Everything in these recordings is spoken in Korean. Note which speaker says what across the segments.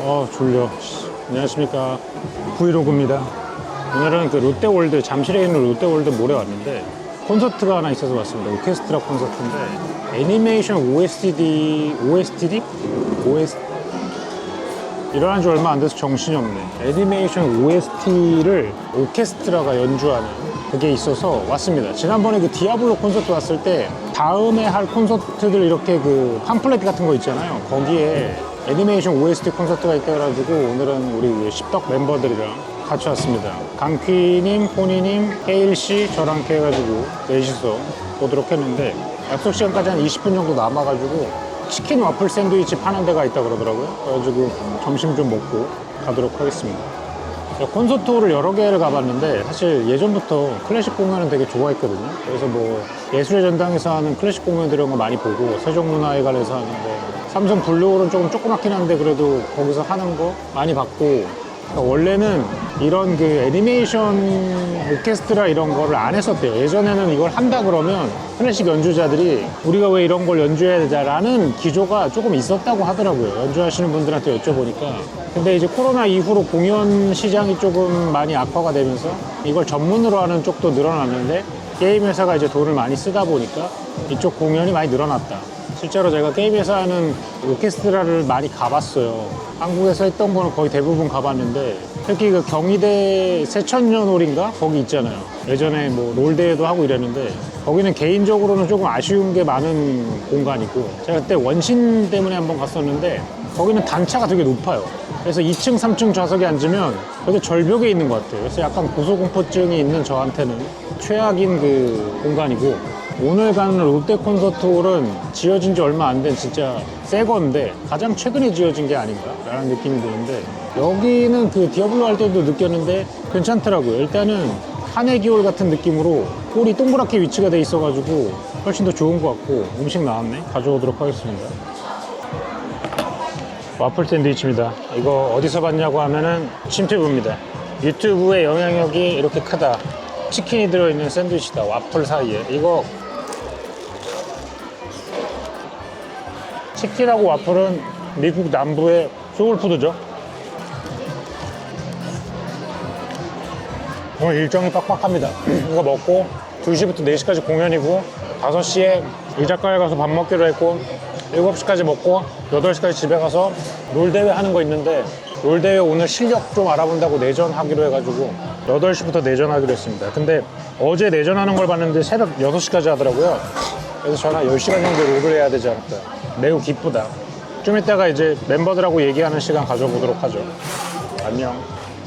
Speaker 1: 졸려. 안녕하십니까. 브이로그입니다. 오늘은 그 롯데월드, 잠실에 있는 롯데월드 몰에 왔는데 콘서트가 하나 있어서 왔습니다. 오케스트라 콘서트인데 애니메이션 OSTD 일어난 지 얼마 안 돼서 정신이 없네. 애니메이션 OST를 오케스트라가 연주하는 그게 있어서 왔습니다. 지난번에 그 디아블로 콘서트 왔을 때 다음에 할 콘서트들 이렇게 그 팜플렛 같은 거 있잖아요. 거기에 애니메이션 OST 콘서트가 있다 그래가지고 오늘은 우리 십덕 멤버들이랑 같이 왔습니다. 강퀴님, 포니님, 헤일씨, 저랑 이렇게 해가지고 넷이서 보도록 했는데 약속 시간까지 한 20분 정도 남아가지고 치킨 와플 샌드위치 파는 데가 있다 그러더라고요. 그래가지고 점심 좀 먹고 가도록 하겠습니다. 콘서트홀을 여러 개를 가봤는데 사실 예전부터 클래식 공연은 되게 좋아했거든요. 그래서 뭐 예술의 전당에서 하는 클래식 공연들 이런 거 많이 보고 세종문화회관에서 하는데 삼성 블루홀은 조금 조그맣긴 한데 그래도 거기서 하는 거 많이 봤고, 그러니까 원래는 이런 그 애니메이션 오케스트라 이런 거를 안 했었대요. 예전에는 이걸 한다 그러면 클래식 연주자들이 우리가 왜 이런 걸 연주해야 되자라는 기조가 조금 있었다고 하더라고요. 연주하시는 분들한테 여쭤보니까. 근데 이제 코로나 이후로 공연 시장이 조금 많이 악화가 되면서 이걸 전문으로 하는 쪽도 늘어났는데 게임 회사가 이제 돈을 많이 쓰다 보니까 이쪽 공연이 많이 늘어났다. 실제로 제가 게임 회사 하는 오케스트라를 많이 가봤어요. 한국에서 했던 거는 거의 대부분 가봤는데 특히 그 경희대 새천년홀인가? 거기 있잖아요. 예전에 뭐 롤대회도 하고 이랬는데 거기는 개인적으로는 조금 아쉬운 게 많은 공간이고, 제가 그때 원신 때문에 한번 갔었는데 거기는 단차가 되게 높아요. 그래서 2층, 3층 좌석에 앉으면 되게 절벽에 있는 것 같아요. 그래서 약간 고소공포증이 있는 저한테는 최악인 그 공간이고, 오늘 가는 롯데 콘서트홀은 지어진 지 얼마 안 된 진짜 새 건데 가장 최근에 지어진 게 아닌가 라는 느낌이 드는데, 여기는 그 디아블로 할 때도 느꼈는데 괜찮더라고요. 일단은 한해기홀 같은 느낌으로 홀이 동그랗게 위치가 돼 있어가지고 훨씬 더 좋은 것 같고, 음식 나왔네. 가져오도록 하겠습니다. 와플 샌드위치입니다. 이거 어디서 봤냐고 하면은 침투브입니다. 유튜브의 영향력이 이렇게 크다. 치킨이 들어있는 샌드위치다. 와플 사이에. 이거 치킨하고 와플은 미국 남부의 소울푸드죠. 오늘 일정이 빡빡합니다. 이거 먹고 2시부터 4시까지 공연이고 5시에 이 작가에 가서 밥 먹기로 했고 7시까지 먹고 8시까지 집에 가서 롤대회 하는 거 있는데, 롤대회 오늘 실력 좀 알아본다고 내전하기로 해가지고 8시부터 내전하기로 했습니다. 근데 어제 내전하는 걸 봤는데 새벽 6시까지 하더라고요. 그래서 저는 한 10시간 정도 롤을 해야 되지 않을까. 매우 기쁘다. 좀 이따가 이제 멤버들하고 얘기하는 시간 가져보도록 하죠. 안녕.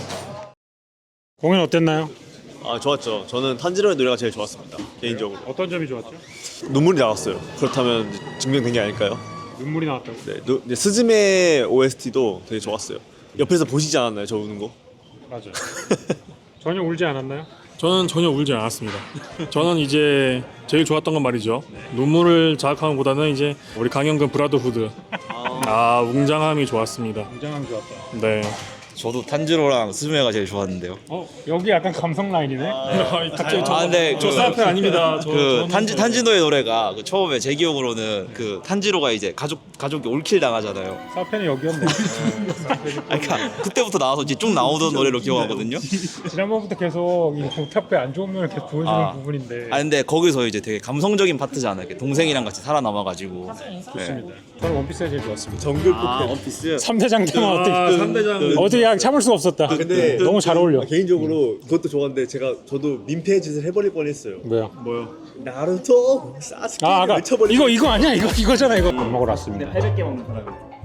Speaker 1: 공연 어땠나요?
Speaker 2: 아, 좋았죠. 저는 탄지로의 노래가 제일 좋았습니다. 개인적으로.
Speaker 1: 어떤 점이 좋았죠?
Speaker 2: 눈물이 나왔어요. 그렇다면 이제 증명된 게 아닐까요?
Speaker 1: 눈물이 나왔다고?
Speaker 2: 네, 이제 스즈메 OST도 되게 좋았어요. 옆에서 보시지 않았나요? 저 우는 거?
Speaker 1: 맞아요. 전혀 울지 않았나요?
Speaker 3: 저는 전혀 울지 않았습니다. 저는 이제 제일 좋았던 건 말이죠. 눈물을 자극하는 것보다는 이제 우리 강영근 브라더후드. 웅장함이 좋았습니다.
Speaker 1: 굉장히 좋았다.
Speaker 3: 네.
Speaker 4: 저도 탄지로랑 스즈메가 제일 좋았는데요.
Speaker 1: 여기 약간 감성 라인이네.
Speaker 3: 갑자기
Speaker 4: 근데
Speaker 3: 저 사페 아닙니다.
Speaker 4: 그 탄지노의 노래가 그 처음에 제 기억으로는 그 탄지로가 이제 가족이 올킬 당하잖아요.
Speaker 1: 사페는 여기였네.
Speaker 4: 그러니까 그때부터 나와서 이제 쭉 나오던 노래로 기억하거든요.
Speaker 1: 지난번부터 계속 이 공탑에 안 좋은 면을 계속 보여주는 부분인데.
Speaker 4: 근데 거기서 이제 되게 감성적인 파트잖아요. 이렇게 동생이랑 같이 살아남아가지고.
Speaker 1: 좋습니다. 저는 원피스가 제일 좋았습니다.
Speaker 2: 정글 포켓.
Speaker 4: 원피스.
Speaker 1: 3대장 때만 어떻게
Speaker 3: 3대장.
Speaker 1: 어떻게 참을 수가 없었다.
Speaker 2: 근데
Speaker 1: 너무 잘 어울려.
Speaker 2: 개인적으로 그것도 좋았는데 저도 민폐 짓을 해버릴 뻔했어요.
Speaker 1: 뭐야?
Speaker 2: 나루토 사스케
Speaker 1: 아까
Speaker 2: 외쳐버리고.
Speaker 1: 이거 아니야? 이거잖아. 이거 밥 먹으러 왔습니다.
Speaker 5: 800개 먹는 사람이.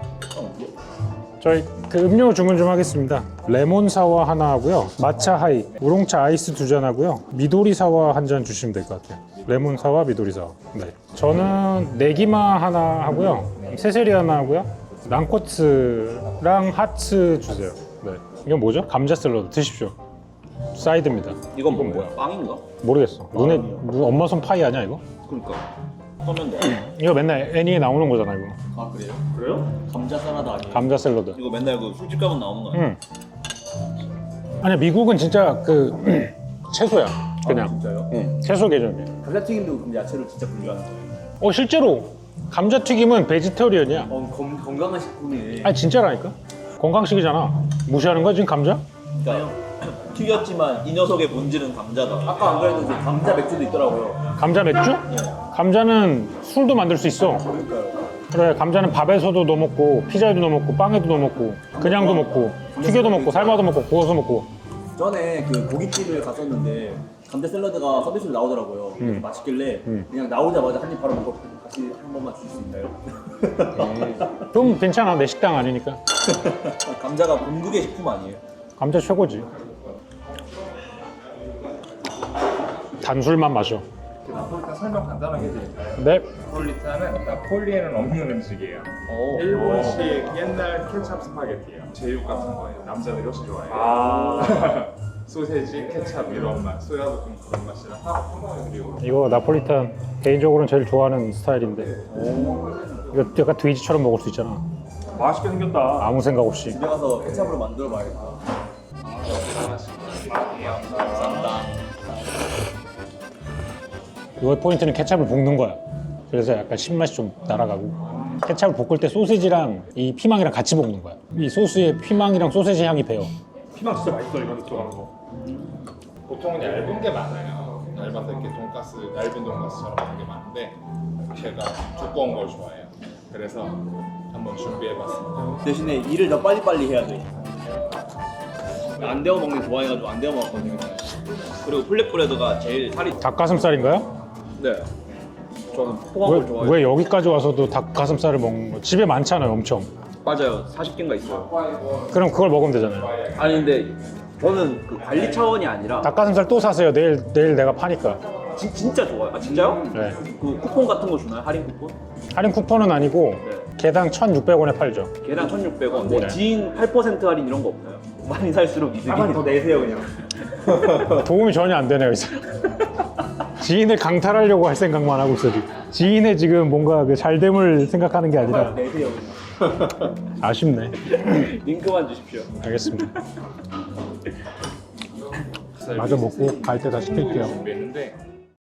Speaker 1: 저희 그 음료 주문 좀 하겠습니다. 레몬 사와 하나 하고요, 마차 하이, 우롱차 아이스 2잔 하고요, 미도리 사와 한 잔 주시면 될 것 같아요. 레몬 사와, 미도리 사와. 네. 저는 네기마 하나 하고요, 세세리 하나 하고요, 난코츠랑 하츠 주세요. 네. 이건 뭐죠? 감자 샐러드 드십시오. 사이드입니다.
Speaker 5: 이건 뭐야? 빵인가?
Speaker 1: 모르겠어. 엄마 손 파이 아니야 이거?
Speaker 5: 그러니까. 그러면 돼.
Speaker 1: 이거 맨날 애니에 나오는 거잖아 이거.
Speaker 5: 아 그래요? 그래요? 감자 사라다 아니에요?
Speaker 1: 감자 샐러드.
Speaker 5: 이거 맨날 그 술집 가면 나오는 거 아니에요?
Speaker 1: 응. 아니야, 미국은 진짜 그 채소야. 그냥.
Speaker 5: 진짜요?
Speaker 1: 응. 채소 개념이야.
Speaker 5: 감자튀김도 그럼 야채로 진짜 분류하는 거예요?
Speaker 1: 실제로 감자튀김은 베지터리언이야.
Speaker 5: 건강한 식품이네.
Speaker 1: 아니 진짜라니까. 건강식이잖아. 무시하는 거야 지금 감자?
Speaker 5: 그러니까 튀겼지만 이 녀석의 본질은 감자다. 아까 안 그래도 이제 감자 맥주도 있더라고요.
Speaker 1: 감자 맥주? 감자는 술도 만들 수 있어. 그래, 감자는 밥에서도 넣어 먹고 피자에도 넣어 먹고 빵에도 넣어 먹고 그냥도 먹고 튀겨도 먹고 삶아도 먹고 구워서 먹고.
Speaker 5: 전에 그 고깃집을 갔었는데 감자 샐러드가 서비스로 나오더라고요. 그래서 맛있길래 그냥 나오자마자 한 입 바로 먹고 다시 한 번만 주실 수 있나요?
Speaker 1: 좀 괜찮아, 내 식당 아니니까.
Speaker 5: 감자가 본국의 식품 아니에요?
Speaker 1: 감자 최고지. 단술만 마셔.
Speaker 6: 나폴리탄 설명 간단하게 해드릴까요?
Speaker 1: 네.
Speaker 6: 나폴리탄은 나폴리에는 없는 음식이에요. 일본식 옛날 케찹 스파게티예요. 제육 같은 거예요. 남자들이 훨씬 좋아해요. 소세지, 케찹 이런 맛, 소야볶음 그런 맛이라서 그리고
Speaker 1: 이거 나폴리탄 개인적으로는 제일 좋아하는 스타일인데. 이거 약간 돼지처럼 먹을 수 있잖아.
Speaker 3: 맛있게 생겼다.
Speaker 1: 아무 생각 없이.
Speaker 5: 집에 가서 케찹으로 만들어 봐야겠다.
Speaker 1: 이거 포인트는 케찹을 볶는 거야. 그래서 약간 신맛이 좀 날아가고. 케찹을 볶을 때 소시지랑 이 피망이랑 같이 볶는 거야. 이 소스에 피망이랑 소시지 향이 배어.
Speaker 3: 피망 진짜 맛있어 이거 들어가는 거.
Speaker 6: 보통은 얇은 게 많아요. 얇아서 이렇게 돈가스, 얇은 돈가스처럼 하는 게 많은데 제가 두꺼운 걸 좋아해요. 그래서 한번 준비해봤습니다.
Speaker 5: 대신에 일을 더 빨리빨리 해야 돼. 안 데워 먹는 거 좋아해가지고 안 데워 먹었거든요.
Speaker 4: 그리고 플랫브레드가 제일 살이
Speaker 1: 닭가슴살인가요?
Speaker 5: 네. 저는 포함을
Speaker 1: 왜,
Speaker 5: 좋아해요.
Speaker 1: 왜 여기까지 와서도 닭가슴살을 먹는 거? 집에 많잖아요, 엄청.
Speaker 4: 맞아요. 40개인가 있어요.
Speaker 1: 그럼 그걸 먹으면 되잖아요.
Speaker 4: 아니 근데 저는 그 관리 차원이 아니라
Speaker 1: 닭가슴살 또 사세요. 내일 내가 파니까.
Speaker 4: 진짜 좋아요. 아 진짜요?
Speaker 1: 네.
Speaker 4: 그 쿠폰 같은 거 주나요? 할인 쿠폰?
Speaker 1: 할인 쿠폰은 아니고
Speaker 4: 네.
Speaker 1: 개당 1,600원에 팔죠.
Speaker 4: 개당 1,600원. 뭐
Speaker 1: 네.
Speaker 4: 지인 8% 할인 이런 거 없나요? 많이 살수록 이득이.
Speaker 5: 가만히 더 내세요 그냥.
Speaker 1: 도움이 전혀 안 되네요, 이 사람. 지인을 강탈하려고 할 생각만 하고 있어 지금. 지인의 지금 뭔가 그 잘됨을 생각하는 게 아니라
Speaker 5: 내세요 그냥.
Speaker 1: 아쉽네.
Speaker 4: 링크만 주십시오.
Speaker 1: 알겠습니다. 마저 먹고 갈 때 다 시킬게요.
Speaker 6: 준비했는데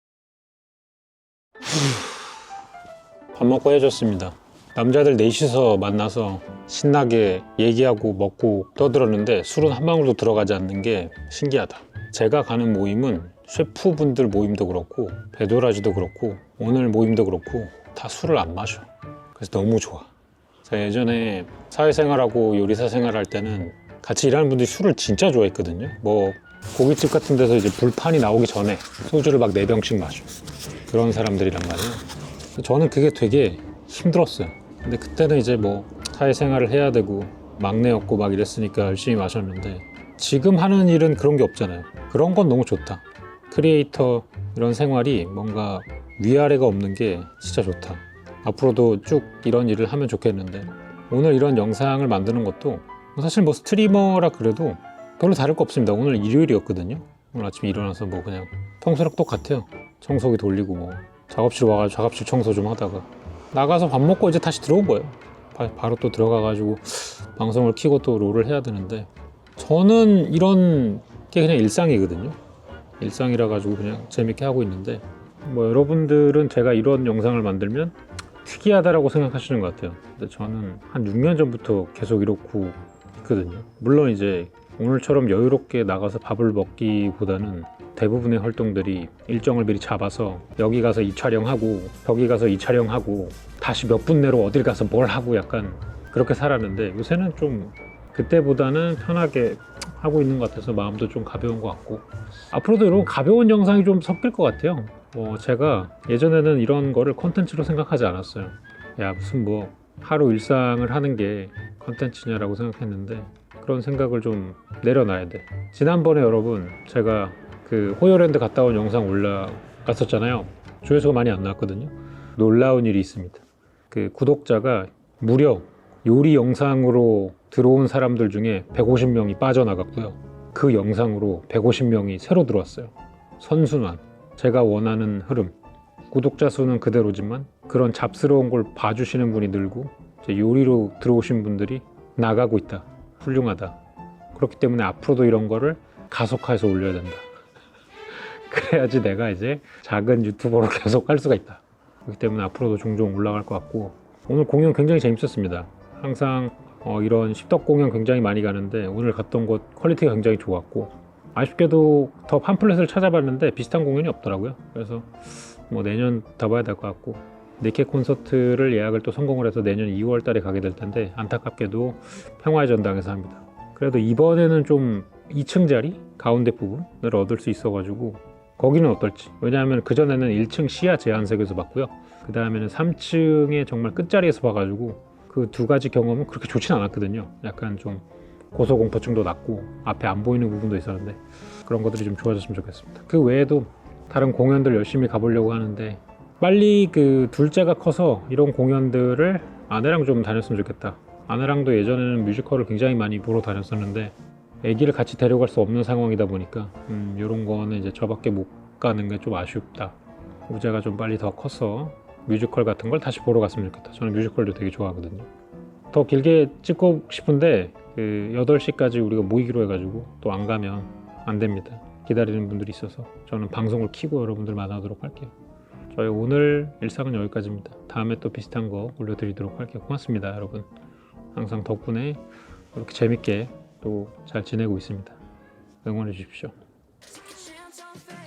Speaker 1: 밥 먹고 헤어졌습니다. 남자들 넷이서 만나서 신나게 얘기하고 먹고 떠들었는데 술은 한 방울도 들어가지 않는 게 신기하다. 제가 가는 모임은 셰프분들 모임도 그렇고 배도라지도 그렇고 오늘 모임도 그렇고 다 술을 안 마셔. 그래서 너무 좋아. 제가 예전에 사회생활하고 요리사 생활할 때는 같이 일하는 분들이 술을 진짜 좋아했거든요. 뭐 고깃집 같은 데서 이제 불판이 나오기 전에 소주를 막 4병씩 마셔. 그런 사람들이란 말이에요. 저는 그게 되게 힘들었어요. 근데 그때는 이제 뭐 사회생활을 해야 되고 막내였고 막 이랬으니까 열심히 마셨는데 지금 하는 일은 그런 게 없잖아요. 그런 건 너무 좋다. 크리에이터 이런 생활이 뭔가 위아래가 없는 게 진짜 좋다. 앞으로도 쭉 이런 일을 하면 좋겠는데 오늘 이런 영상을 만드는 것도 사실 뭐 스트리머라 그래도 별로 다를 거 없습니다. 오늘 일요일이었거든요. 오늘 아침에 일어나서 뭐 그냥 평소랑 똑같아요. 청소기 돌리고 뭐 작업실 와가지고 작업실 청소 좀 하다가 나가서 밥 먹고 이제 다시 들어온 거예요. 바로 또 들어가가지고 방송을 켜고 또 롤을 해야 되는데 저는 이런 게 그냥 일상이거든요. 일상이라 가지고 그냥 재밌게 하고 있는데 뭐 여러분들은 제가 이런 영상을 만들면 특이하다라고 생각하시는 것 같아요. 근데 저는 한 6년 전부터 계속 이렇고 있거든요. 물론 이제 오늘처럼 여유롭게 나가서 밥을 먹기보다는 대부분의 활동들이 일정을 미리 잡아서 여기 가서 이 촬영하고 저기 가서 이 촬영하고 다시 몇 분 내로 어딜 가서 뭘 하고 약간 그렇게 살았는데 요새는 좀 그때보다는 편하게 하고 있는 것 같아서 마음도 좀 가벼운 것 같고 앞으로도 이런 가벼운 영상이 좀 섞일 것 같아요. 제가 예전에는 이런 거를 콘텐츠로 생각하지 않았어요. 야 무슨 뭐 하루 일상을 하는 게 콘텐츠냐라고 생각했는데 그런 생각을 좀 내려놔야 돼. 지난번에 여러분 제가 그 호요랜드 갔다 온 영상 올라갔었잖아요. 조회수가 많이 안 나왔거든요. 놀라운 일이 있습니다. 그 구독자가 무려 요리 영상으로 들어온 사람들 중에 150명이 빠져나갔고요. 그 영상으로 150명이 새로 들어왔어요. 선순환. 제가 원하는 흐름. 구독자 수는 그대로지만 그런 잡스러운 걸 봐주시는 분이 늘고 이제 요리로 들어오신 분들이 나가고 있다. 훌륭하다. 그렇기 때문에 앞으로도 이런 거를 가속화해서 올려야 된다. 그래야지 내가 이제 작은 유튜버로 계속 할 수가 있다. 그렇기 때문에 앞으로도 종종 올라갈 것 같고 오늘 공연 굉장히 재밌었습니다. 항상 이런 십덕 공연 굉장히 많이 가는데 오늘 갔던 곳 퀄리티가 굉장히 좋았고 아쉽게도 더 팜플렛을 찾아봤는데 비슷한 공연이 없더라고요. 그래서 뭐 내년 더 봐야 될 것 같고 니케 콘서트를 예약을 또 성공을 해서 내년 2월 달에 가게 될 텐데 안타깝게도 평화의 전당에서 합니다. 그래도 이번에는 좀 2층 자리 가운데 부분을 얻을 수 있어가지고 거기는 어떨지. 왜냐하면 그전에는 1층 시야 제한석에서 봤고요. 그 다음에는 3층의 정말 끝자리에서 봐가지고 그 두 가지 경험은 그렇게 좋진 않았거든요. 약간 좀 고소공포증도 낮고 앞에 안 보이는 부분도 있었는데 그런 것들이 좀 좋아졌으면 좋겠습니다. 그 외에도 다른 공연들 열심히 가보려고 하는데 빨리 그 둘째가 커서 이런 공연들을 아내랑 좀 다녔으면 좋겠다. 아내랑도 예전에는 뮤지컬을 굉장히 많이 보러 다녔었는데 아기를 같이 데려갈 수 없는 상황이다 보니까 이런 거는 이제 저밖에 못 가는 게 좀 아쉽다. 우재가 좀 빨리 더 커서 뮤지컬 같은 걸 다시 보러 갔으면 좋겠다. 저는 뮤지컬도 되게 좋아하거든요. 더 길게 찍고 싶은데 그 8시까지 우리가 모이기로 해가지고 또 안 가면 안 됩니다. 기다리는 분들이 있어서 저는 방송을 켜고 여러분들 만나도록 할게요. 저희 오늘 일상은 여기까지입니다. 다음에 또 비슷한 거 올려드리도록 할게요. 고맙습니다, 여러분. 항상 덕분에 이렇게 재밌게 또 잘 지내고 있습니다. 응원해 주십시오.
Speaker 7: Chance on faith.